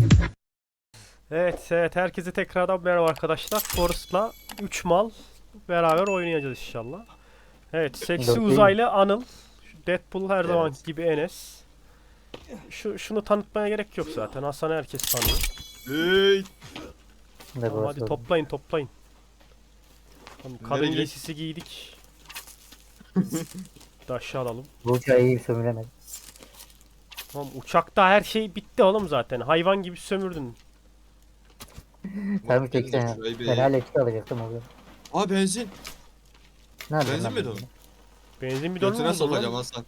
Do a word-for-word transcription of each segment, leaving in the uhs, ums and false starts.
Evet, evet herkese tekrardan merhaba arkadaşlar. Forrest'la üç mal beraber oynayacağız inşallah. Evet, seksi Dört değil mi? uzaylı Anıl. Şu Deadpool her zaman Evet. gibi Enes. Şu şunu tanıtmaya gerek yok zaten. Hasan'ı herkes tanıyor. Hey. Ne Tamam hadi burası? toplayın toplayın. Tamam, kadın Nereye gidelim? giysisi giydik. Bir de aşağı alalım. Bu uçağı iyi sömüremedim. Tamam, uçakta her şey bitti oğlum zaten. Hayvan gibi sömürdün. Tabii tek Gelin de sen. şurayı bir- Ben hala iki alacaktım o gün. Aa benzin. Ne yapayım Benzin lan mi ben dolu? bunu? Benzin bidonu mu Götüne buldun sokacağım lan? Hasan.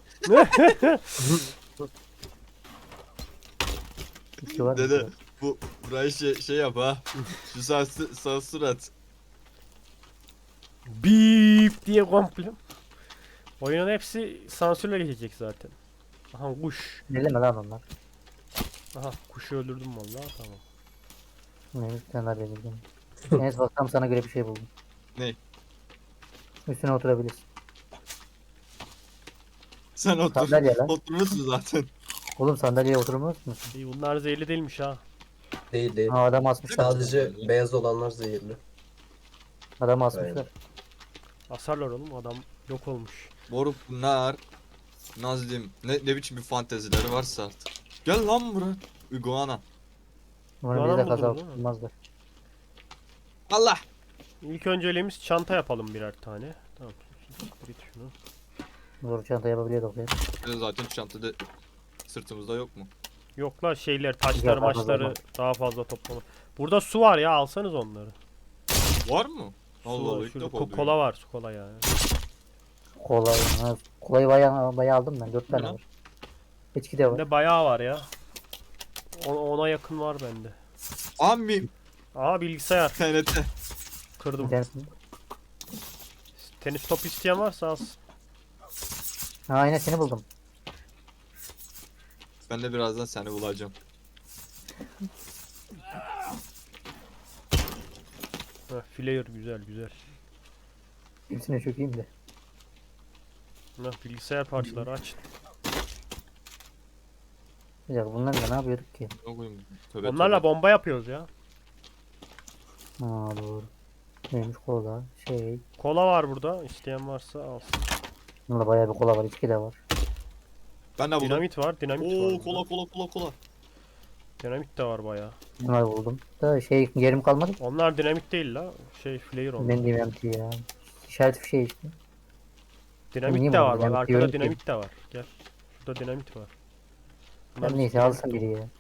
İki var mı? Dede bu burayı şey, şey yap ha. Şu sağ, sağ surat. Bip diye komple. Oyunun hepsi sansürle geçecek zaten. Aha kuş. Elleme lan onlar. Aha kuşu öldürdüm vallahi tamam. Neymiş sen daha belirgin. Enes baksam sana göre bir şey buldum. Ne? Üstüne oturabilirsin. Sen otur. Sandalye lan. Oturmuşsun zaten. Oğlum sandalyeye oturmuyor musun? İyi bunlar zehirli değilmiş ha. Değil değil. Ha adam asmışlar. Sadece beyaz olanlar zehirli. Adam asmışlar. Asarlar oğlum adam yok olmuş. Moruk bunlar. Nazlim. Ne, ne biçim bir fantezileri varsa artık. Gel lan buraya. Iguana. Bunu Yalan bize de kaza buldunuz değil mi? tutmazlar. Allah. İlk önceliğimiz çanta yapalım birer tane. Tamam. Git şunu. Zor çanta yapabiliyorduk ya. Şöyle zaten çantada sırtımızda yok mu? Yok la şeyler taşlar Güzel, fazla maçları zaman. daha fazla toplama. Burada su var ya alsanız onları. Var mı? Su Allah Allah var, ilk şurada defa ko- duydum. kola var su kola ya. Kolay. Ha, kolayı bayağı, bayağı aldım ben. Dört tane Ne? var. İçki de var. Bende bayağı var ya. O- Ona yakın var bende. Ami. Aa bilgisayar T N T. kırdım. İnternetin. Tenis top isteyen varsa alsın. Ha aynen seni buldum. Ben de birazdan seni bulacağım. Heh, flare güzel güzel. Hepsine çökeyim de. Heh, bilgisayar parçaları aç. Ya bunlarla ne yapıyorduk ki? Ne koyayım? Tövbe Onlarla tövbe. bomba yapıyoruz ya. Ha doğru. Neymiş kola? Şey. Kola var burada. İsteyen varsa alsın. Bunda bayağı bir kola var. İçki de var. Ben de buldum. Dinamit var, dinamit var. Oo burada. kola kola kola kola. Dinamit de var bayağı. Bunları buldum. Da şey yerim kalmadı ki. Onlar dinamit değil la. Şey flare onlar. Ben diyemem ki ya. İşaret bir şey işte. Dinamit Niye de bu var arada? bak Ben arkada diyorum ki- dinamit de var. Gel. Şurada dinamit var. Bunlar Ben neyse dinamit alsın dolu. biri ya.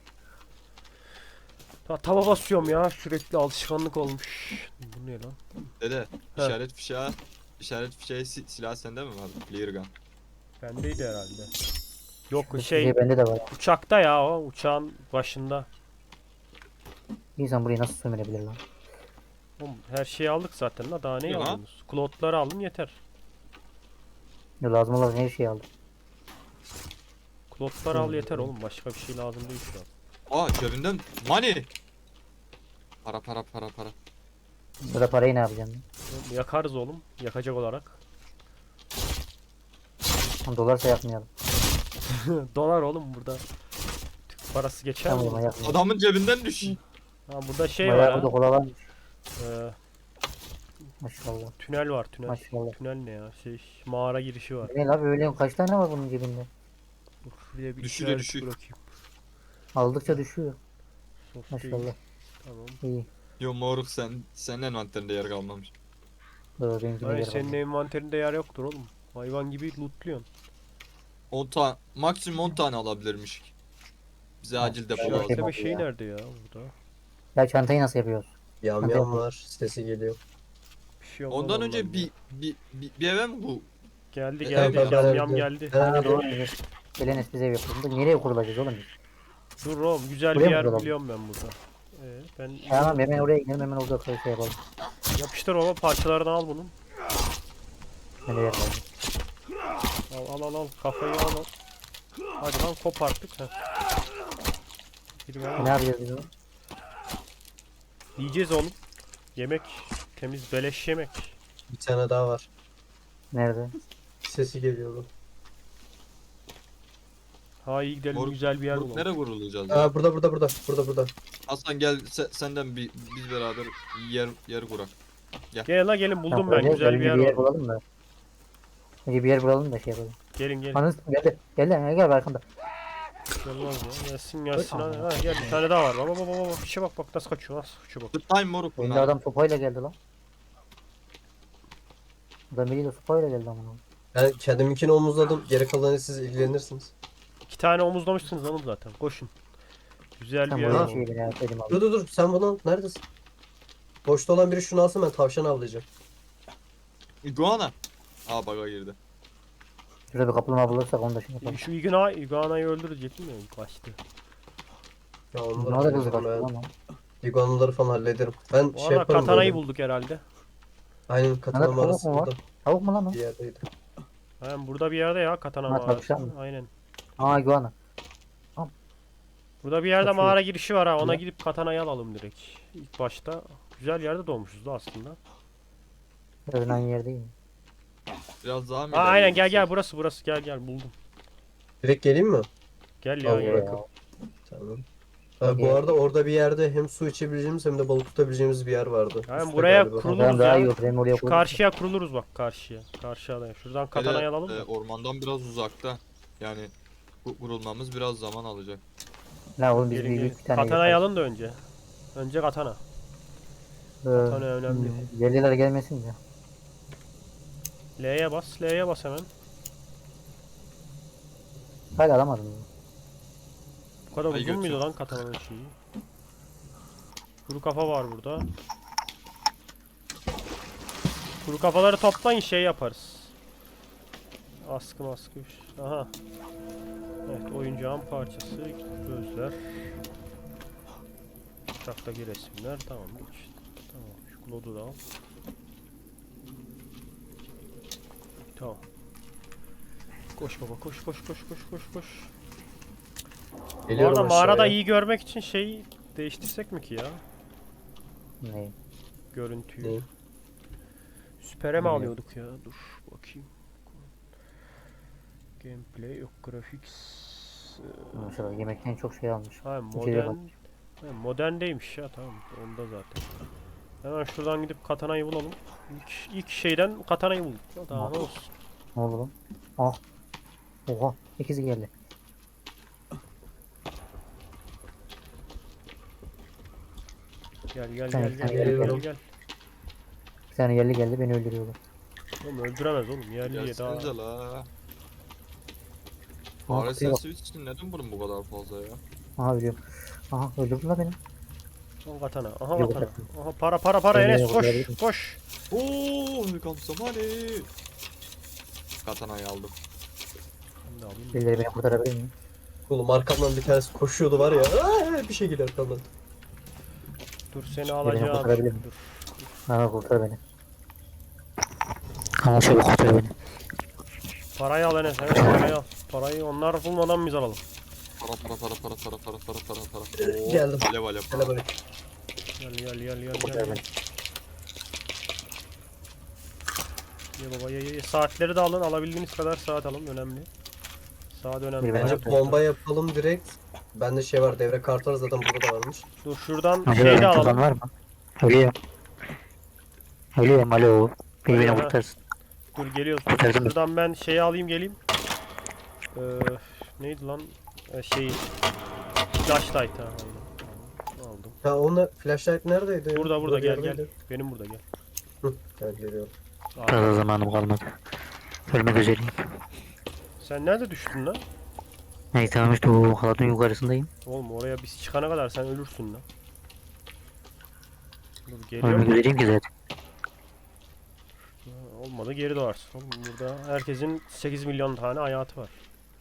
Ta tava basıyorum ya sürekli alışkanlık olmuş. Bu ne lan? Dede He. işaret fişeği. İşaret fişeği si silah sende mi var? Clear gun. Bendeydi herhalde. Yok Bu şey şey bende de var. uçakta ya o uçağın başında. İnsan burayı nasıl sömürebilir lan? Oğlum, her şeyi aldık zaten la daha ne Ne lan? aldınız? Klotları alın yeter. Ya lazım olan her şeyi aldım. Klotları al Hmm. yeter oğlum başka bir şey lazım değil şu an. Aa cebinden money. Para para para para. Burada parayı ne yapacağım? Oğlum, yakarız oğlum yakacak olarak. Lan dolarsa yakmayalım. Dolar oğlum burada. Türk parası geçer mi? Tamam yakmayalım. Adamın cebinden düş. Ha burada şey var Bayağı ha. burada kola varmış. Ee, Maşallah. tünel var tünel. Maşallah. Tünel ne ya? Şey mağara girişi var. Ne lan böyle kaç tane var bunun cebinde? Dur şuraya bir Düşüyor, işaret düşüyor. bırakayım. Aldıkça düşüyor. Sok değil. Maşallah. Tamam. İyi. Yo moruk sen senin envanterinde yer kalmamış. Doğru benimkine Hayır yer senin kalmadı. envanterinde yer yoktur oğlum. Hayvan gibi lootluyorsun. on tane maksimum on tane alabilirmiş. Bize acil depo şey lazım. İşaretleme oldu şeyi ya. nerede ya burada? Ya çantayı nasıl yapıyoruz? Yam Hadi yam yapalım. var. Sesi geliyor. Bir şey olmaz Ondan ondan önce ya. bir, bir, bir, bir eve mi bu? Geldi E, geldi evet, yam evet, yam evet. geldi. Ben Ha de doğru. Evet. Gelenes bize ev yapalım. Da nereye kurulacağız oğlum biz? Dur oğlum güzel Buraya bir mı yer kuralım? biliyorum ben burada. Ee, ben Tamam hemen oraya gidelim hemen orada şey yapalım. yapıştır baba parçalarını al bunun. Nereye yapalım? Al al al al kafayı al al. Hadi lan kop artık. Heh. Bir ver. Ne yapacağız biz onu? Yiyeceğiz oğlum. Yemek temiz beleş yemek. Bir tane daha var. Nerede? Sesi geliyordu. Ha iyi gidelim, Moruk- güzel bir yer Moruk, bulalım. nereye vurulacağız ya? Aa burada burada burada. Burada burada. Hasan gel se- senden bir biz beraber yer yer kurak. Gelin la gelin, buldum Tamam, ben, öyle güzel bir önce yer bir yer var. bulalım da. Önce bir yer bulalım da şey yapalım. Gelin gelin. Anız geldi. Geldi gel gel arkanda. Gelmez ya. Gelsin gelsin hadi. Ha, gel bir tane daha var. Baba baba baba. Bir şey bak bak nasıl kaçıyor, nasıl kaçıyor bak. The time moruk Önce bunlar. adam sopayla geldi lan. Adam biriyle sopayla geldi amına. Ben kendiminkini omuzladım. Geri kalanı siz ilgilenirsiniz. İki tane omuzlamışsınız oğlum zaten. Koşun. Güzel Sen bir yer bu var. şeyi beni yapayım abi. Dur dur dur. Sen bunu al. Neredesin? Boşta olan biri şunu alsın, ben tavşan avlayacağım. Iguana. Aa baga girdi. Şurada bir kaplumbağa bulursak onu da şey yapalım. Şu Igna, Igna'yı öldürecektim ya ilk başta. Ya Ne onları oldu kızı hallederim kaçtı ben. lan? Iguanaları falan hallederim. Ben Bu şey arada yaparım katanayı böyle. bulduk herhalde. Aynen katana tavuk mağarası mu var? burada Tavuk mu lan o? bir yerdeydi. Aynen burada bir yerde ya katana Ha, mağarası. tavşan mı? Aynen. Aa iguana. Burada bir yerde Kaçıyor. mağara girişi var ha. Ona Ya. gidip katanayı alalım direkt. İlk başta. Güzel yerde doğmuşuz da aslında. Biraz aynı yerdeyim. Biraz daha mı Aa, aynen gel ilerleyebilsek? gel burası burası gel gel buldum. Direkt geleyim mi? Gel ya Al gel. bırakın. Tamam. Ha, Okey. bu arada orada bir yerde hem su içebileceğimiz hem de balık tutabileceğimiz bir yer vardı. Aynen, Üstte buraya galiba. kurulu- Tamam daha ya. iyi olur. Benim oraya Şu koydum. karşıya kuruluruz bak karşıya. Karşı adaya. Şuradan katanayı Hele, alalım e, da. ormandan biraz uzakta. Yani bu vurulmamız biraz zaman alacak. La oğlum biz Gelin bir, gelin. bir tane Katanayı yaparız. alın da önce. Önce katana. Ee, Katana önemli. hmm, Yerliler gelmesin de. L'ye bas. L'ye bas hemen. Hala alamadım. Bu kadar Ay, uzun muydu götür. lan katananın şeyi? Kuru kafa var burada. Kuru kafaları toplayın şey yaparız. Askı maskı. Aha. Evet oyuncağın parçası. Gözler. Uçaktaki resimler. Tamam. Geç. Tamam. Şu klodu da al. Tamam. Koş baba koş koş koş koş koş koş. Bu Geliyorum arada mağarada aşağıya. iyi görmek için şeyi değiştirsek mi ki ya? Ne? Görüntüyü. Neyi? Süpere mi Neyi? alıyorduk ya? Dur bakayım. Gameplay yok, graphics. Ee, Maşallah yemekten çok şey almış. Ha İçeriye modern. Ha, moderndeymiş ya, tamam onda zaten. Hemen şuradan gidip katanayı bulalım. İlk, ilk şeyden katanayı bulduk. Daha ne olsun. Ne oldu lan? Ah. Oha. İkisi geldi. Gel gel Sen- gel sen gel gel, gel gel. gel gel. Bir tane yerli geldi beni öldürüyorlar. Oğlum öldüremez oğlum, yerliye daha. Gelsenize la. Aha Fare kutuya bak. sesi için neden bunun bu kadar fazla ya? Aha ölüyorum. Aha öldürdüler beni. Aha katana. Aha Yok, katana. yok. Aha para para para Yerliye Enes koş bakabilirim. koş. Ooo welcome somebody. Katanayı aldım. Ben de alayım. Birileri beni kurtarabilir mi? Oğlum arkamdan bir tanesi koşuyordu var ya. Aa, bir şey geliyor arkamdan. Dur seni alacağım. kurtarabilir mi? Dur. Aha kurtar beni. Ama şöyle kurtar beni. Parayı al Enes. Evet parayı al. Parayı onlar bulmadan biz alalım. Para para para para para para para para para. Oo, Geldim. Alev alev para. Hele böyle. Gel gel gel gel Kurtar gel. beni. Ye baba ye ye ye. Saatleri de alın. Alabildiğiniz kadar saat alın. Önemli. Saat önemli. Bir Bence Evet. bomba yapalım direkt. Bende şey var, devre kartı var zaten, burada da varmış. Dur şuradan Alo, şey de tutan alalım. var mı? Ölüyorum. Ölüyorum alo. Biri beni Aha. kurtarsın. Dur geliyoruz. Kurtardım. Şuradan ben şeyi alayım geleyim. Ee, neydi lan? Ee, şeyi. Flashlight ha. Aynen. Aldım. Ha onunla flashlight neredeydi? Burada burada bir gel gel. yerdeydi. Benim burada gel. Hı, gel geliyorum. Aa, Fazla zamanım kalmadı. Ölmek üzereyim. sen nerede düştün lan? Neyse tamam işte o halatın yukarısındayım. Oğlum oraya biz çıkana kadar sen ölürsün lan. Dur Ölmek geliyorum. üzereyim ki zaten. Ha, olmadı geri doğarsın. Oğlum burada herkesin sekiz milyon tane hayatı var.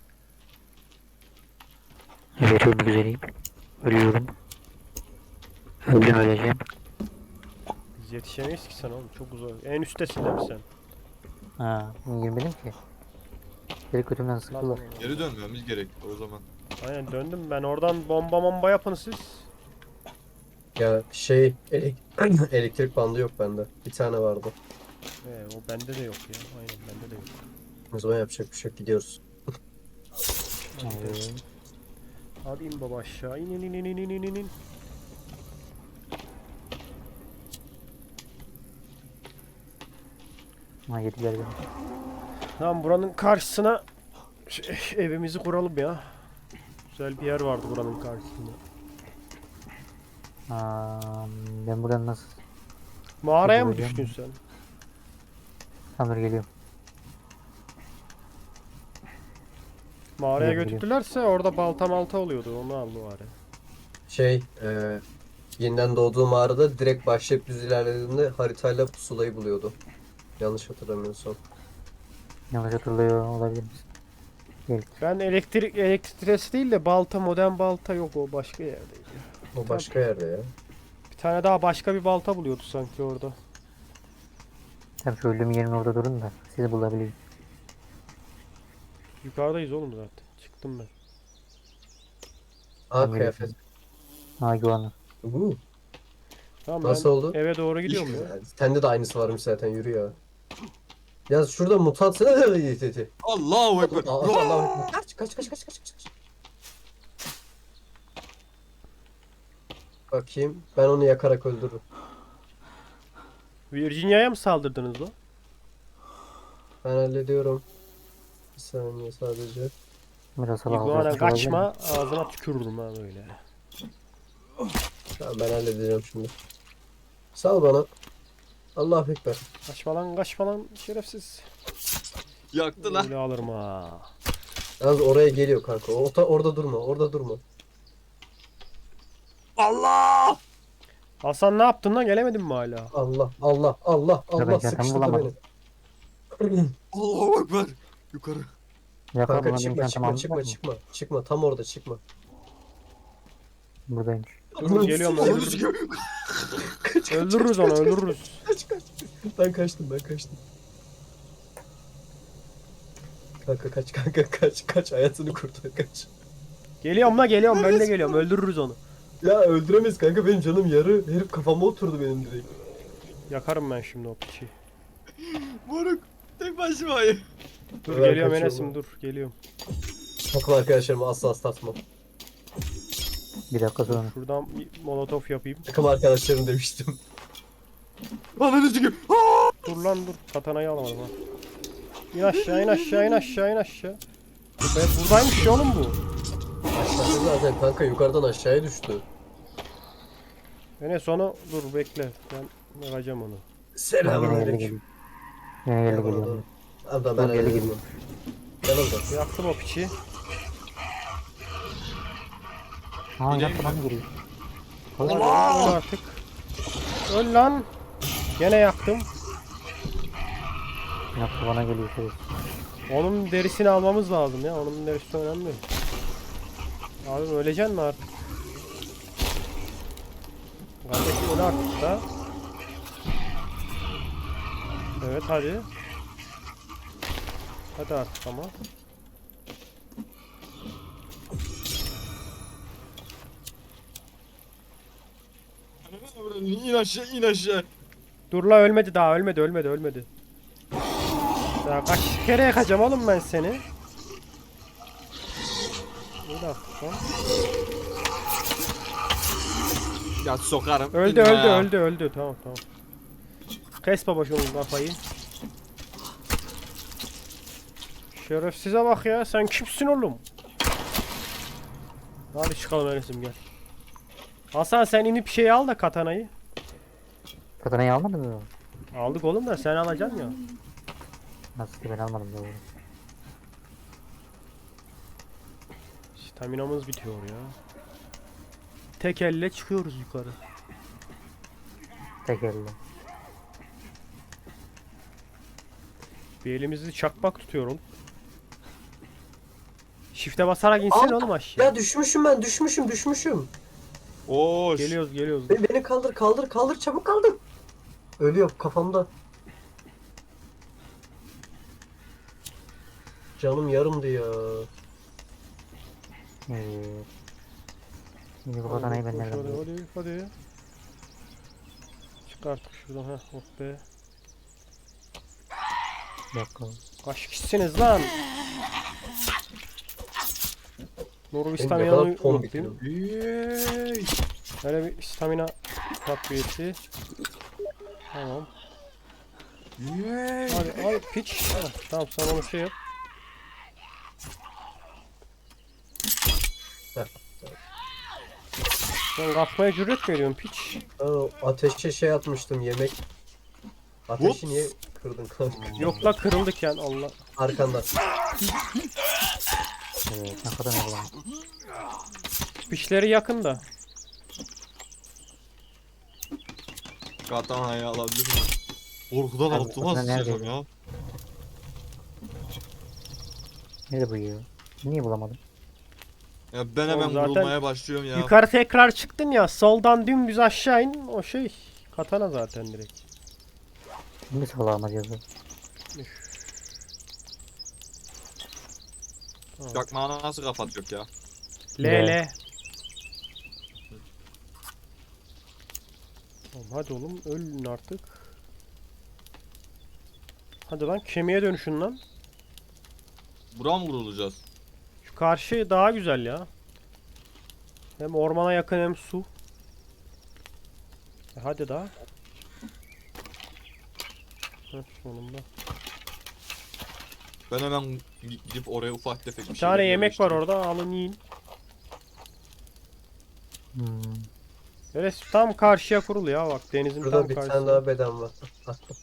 Evet ölmek üzereyim. Ölüyorum. Öldüm öleceğim. Biz yetişemeyiz ki sen oğlum. Çok uzak. En üsttesin değil mi sen? Ha, girmedim ki. Biri kötümden sıktılar. Geri dönmemiz gerek o zaman. Aynen döndüm ben. Oradan bomba bomba yapın siz. Ya şey elek- elektrik bandı yok bende. Bir tane vardı. Ee, o bende de yok ya. Aynen bende de yok. O zaman yapacak bir şey yok, gidiyoruz. Evet. Hadi in baba aşağı. İn in in in in in in in. Ha yediler beni. Tamam buranın karşısına şey, evimizi kuralım ya. Güzel bir yer vardı buranın karşısında. Aa, ben buradan nasıl? Mağaraya mı Bulacağım. düştün sen? Tamam dur geliyorum. Mağaraya Geliyorum, götürdülerse orada balta malta oluyordu. Onu al bari. Şey, e, yeniden doğduğum mağarada direkt başlayıp düz ilerlediğimde haritayla pusulayı buluyordu. Yanlış hatırlamıyorsam. Yanlış hatırlıyor olabilir misin? Gel. Ben elektrik elektriktresi değil de balta modern balta yok o başka yerdeydi. O başka yerde ya. Bir tane daha başka bir balta buluyordu sanki orada. Tam şu öldüğüm yerin orada durun da sizi bulabilirim. Yukarıdayız oğlum zaten. Çıktım ben. Aa Tamam, kıyafet. Ha güvenli. Uhu. Tamam Nasıl ben oldu? eve doğru İyi gidiyorum ya. güzel. Sende de aynısı varmış zaten, yürü ya. Ya şurada mutant... Allahu Ekber. Allah Allah. Kaç kaç kaç kaç kaç kaç. Bakayım. Ben onu yakarak öldürürüm. Virginia'ya mı saldırdınız lan? Ben hallediyorum. Bir saniye sadece. Biraz sabah İguana olacak, olabilir mi? kaçma ağzına tükürürüm ha böyle. Tamam ben halledeceğim şimdi. Sal bana. Allahu Ekber. Kaçma lan kaçma lan şerefsiz. Yaktı lan. Öyle alırım ha. Yalnız oraya geliyor kanka. Orta, orada durma. Orada durma. Allah! Hasan ne yaptın lan gelemedin mi hala? Allah Allah Allah ben Allah zaten sıkıştırdı bulamadım. beni. Allahu Ekber. Yukarı. Yapma Kanka buna çıkma benim çıkma çantam çıkma aldılar mı? çıkma. Çıkma tam orada çıkma. Buradaymış. Dur, geliyorum, Ananı öldürürüz. sikeyim. Öldürürüz onu öldürürüz. Kaç kaç. Ben kaçtım ben kaçtım. Kanka kaç kanka kaç kaç hayatını kurtar kaç. Geliyorum la geliyorum ben de geliyorum öldürürüz onu. Ya öldüremeyiz kanka, benim canım yarı. Herif kafama oturdu benim direkt. Yakarım ben şimdi o piçi. Moruk. Tek başımayım. Dur Ben geliyorum kaçıyorum. Enes'im dur geliyorum. Takım arkadaşlarımı asla aslatmam. Bir dakika sonra. Şuradan bir molotof yapayım. Takım arkadaşlarım demiştim. Ananı sikeyim. Dur lan dur katanayı alamadım ha. İn aşağı in aşağı in aşağı in aşağı. Ben buradaymış ya oğlum bu. Aşağıda zaten kanka, yukarıdan aşağıya düştü. Enes onu dur bekle ben bakacağım onu. Yine geldi Selamünaleyküm. geliyor. Yine geldi geliyor. Abla ben Dur, geri öyle geliyor. Gel orada. Yaktım o piçi. Ha yapma lan geliyor. Öl artık. Öl lan. Gene yaktım. Yapma bana geliyor şey. Onun derisini almamız lazım ya. Onun derisi önemli. Abi öleceksin mi artık? Kardeşim öl artık da. Evet hadi. Hadi artık ama. İn aşağı in aşağı. Dur la ölmedi daha ölmedi ölmedi ölmedi. Daha kaç kere yakacağım oğlum ben seni. Bir dakika. Ya sokarım. Öldü İnme öldü ya. öldü öldü tamam tamam. Kes baba şunun kafayı. Şerefsize bak ya sen kimsin oğlum? Hadi çıkalım Enes'im gel. Hasan sen inip şey al da katanayı. Katanayı almadın mı? Aldık oğlum da sen alacaksın ya. Nasıl ki ben almadım doğru. Staminamız bitiyor ya. Tek elle çıkıyoruz yukarı. Tek elle. Bir elimizi çakmak tutuyor oğlum. Shift'e basarak insene Aa, oğlum aşağı. Ya düşmüşüm ben, düşmüşüm düşmüşüm. Oş. Geliyoruz geliyoruz. Be- Beni kaldır kaldır kaldır, çabuk kaldır. Ölüyor kafamda. Canım yarımdı ya. Evet. Şimdi bu katanayı ben Hadi, nereden hadi, bulayım? hadi, hadi. Çık artık şuradan ha. Oh be. Bir dakika. Kaç kişisiniz lan? Nuru Benim ne stamina'yı kadar ton unutayım. bitiyor. Yey. Böyle bir stamina takviyesi. Tamam. Yey. Hadi al piç. Heh, tamam sen onu şey yap. Heh. Sen kalkmaya cüret mi ediyorsun piç? Aa, ateşe şey atmıştım yemek. Ateşi Ups. niye kırdın kanka? Yok la kırıldık yani Allah. Arkanda. Evet ne kadar ne bulalım. Piçleri yakın da. Katanayı alabilir miyim? Korkudan Abi, altıma katana sıçacağım nerede? ya. Nerede bu ya? Niye bulamadım? Ya ben Oğlum hemen zaten vurulmaya başlıyorum ya. Yukarı tekrar çıktın ya. Soldan dümdüz aşağı in. O şey. Katana zaten direkt. Şimdi salağım acaba. Çakmağı nasıl kapatıyor ya? L L. L. Oğlum hadi oğlum ölün artık. Hadi lan kemiğe dönüşün lan. Bura mı vurulacağız? Şu karşı daha güzel ya. Hem ormana yakın hem su. E hadi daha. Heh, sonunda. Ben hemen gidip oraya ufak tefek bir Bir şeyler tane yemek var yerleştireyim. orada alın yiyin. Hmm. Böyle tam karşıya kurul ya bak denizin Burada tam bir tane karşısında. daha beden var. Attım.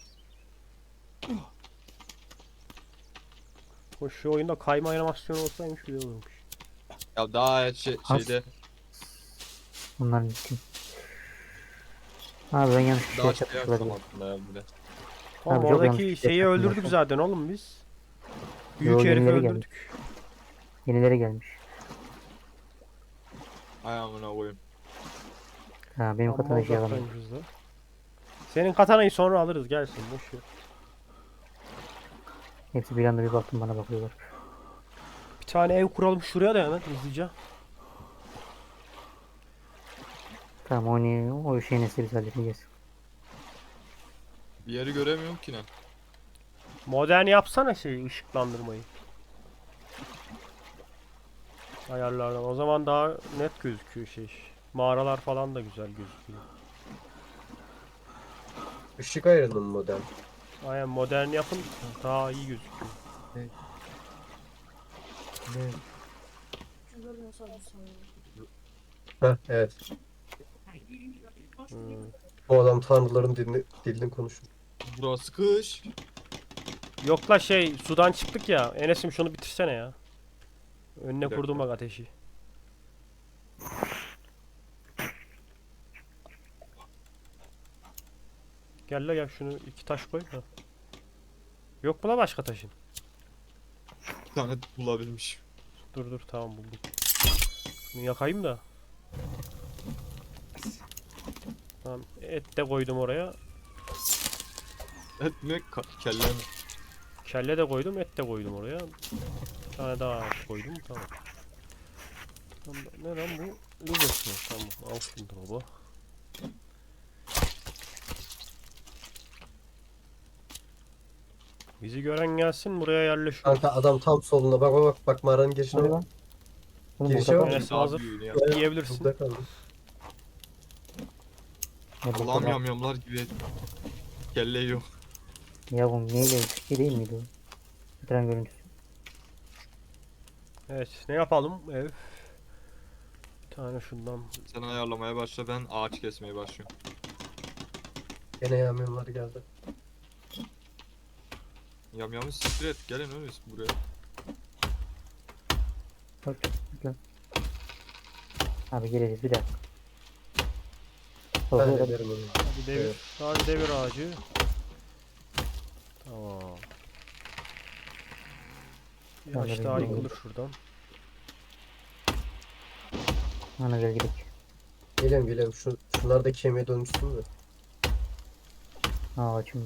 Hoş şu oyunda kayma animasyonu olsaymış güzel olurmuş. Ya daha şey, As- şeyde Bunların için. Abi ben yanlış bir şey daha şey yapmış yapsam olabilirim. aslında ya bile. Oğlum Abi çok yanlış oradaki bir şey şeyi yaptım öldürdük zaten. zaten oğlum biz. Büyük Yo, herifi yenileri öldürdük. Yenileri gelmiş. Ay amına koyayım. Ha benim Amma katana şey alamam. uzaktaymışız da. Senin katanayı sonra alırız gelsin boş ver. Hepsi bir anda bir baktım bana bakıyorlar. Bir tane ev kuralım şuraya da hemen hızlıca. Tamam oynayalım. O şeyi neyse biz halledeceğiz. Bir yeri göremiyorum ki ne. Modern yapsana şey ışıklandırmayı. Ayarlardan. O zaman daha net gözüküyor şey. Mağaralar falan da güzel gözüküyor. Işık ayarının model. Aynen modern yapın daha iyi gözüküyor. Heh evet. Hmm. Bu adam tanrıların dilini, dilini konuşuyor. Burası kış. Yok la şey sudan çıktık ya. Enes'im şunu bitirsene ya. Önüne dakika. kurdum bak ateşi. Gel la gel şunu iki taş koy. Ha. Yok mu la başka taşın? Bir tane bulabilmiş. Dur dur tamam buldum. Bunu yakayım da. Tamam et de koydum oraya. Et mi? Ka- kelle mi? Kelle de koydum et de koydum oraya. Bir tane daha koydum tamam. Tamam, ne lan bu? Lüzes mi? Tamam al şunu baba. Bizi gören gelsin buraya yerleşiyor. Kanka adam tam solunda. Bak bak bak. Bak mağaranın girişine Hadi bak. lan. Oğlum Girişe burada bak. kal. Enes Daha hazır. büyüğünü ya. Yiyebilirsin. Burada kaldı. Ne burada Allah'ım kal. yamyamlar gibi kelle yiyor. Ya bu neyle bir şey değil miydi o? Ekran görüntüsü. Evet ne yapalım ev? Bir tane şundan. Sen ayarlamaya başla, ben ağaç kesmeye başlıyorum. Gene yağmurlar geldi. Yamyamı siktir et, gelin öyle buraya. Bak gel. Abi geleceğiz bir dakika. Ben Solda de da derim onu. Hadi devir. Evet. Hadi devir ağacı. Tamam. Bir Tamam, ağaç hadi daha gidelim. yıkılır şuradan. ana gel gidelim. Geliyorum geliyorum. Şu, şunlar da kemiğe dönüşsün de. Aa açımda.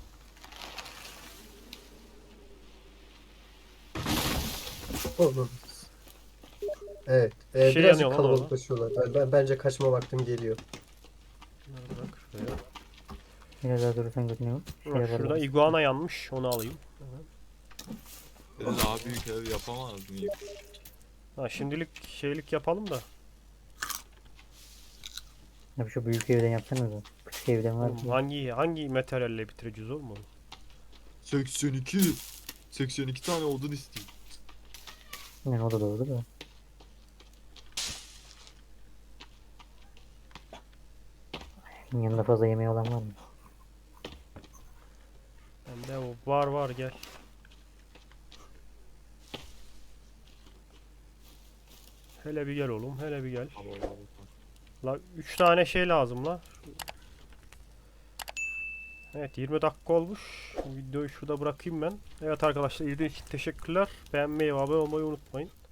Oğlum. Evet. E, Şey birazcık yanıyor lan orada. kalabalıklaşıyorlar. Ben, ben, bence kaçma vaktim geliyor. Bunları bırak şuraya. Biraz daha durursan görünüyor. Şey Bak, yaparlar. şurada iguana yanmış onu alayım. Ben daha büyük ev yapamaz mıyım? Ha şimdilik şeylik yapalım da. Ya şu büyük evden yapsanız da. Küçük evden var Oğlum ki. hangi hangi materyalle bitireceğiz oğlum onu? seksen iki. seksen iki tane odun istiyor. Yani o da doğru da. Yanında fazla yemeği olan var mı? Bende o var var gel. Hele bir gel oğlum, hele bir gel. La üç tane şey lazım la. Evet yirmi dakika olmuş. Videoyu şurada bırakayım ben. Evet arkadaşlar izlediğiniz için teşekkürler. Beğenmeyi ve abone olmayı unutmayın.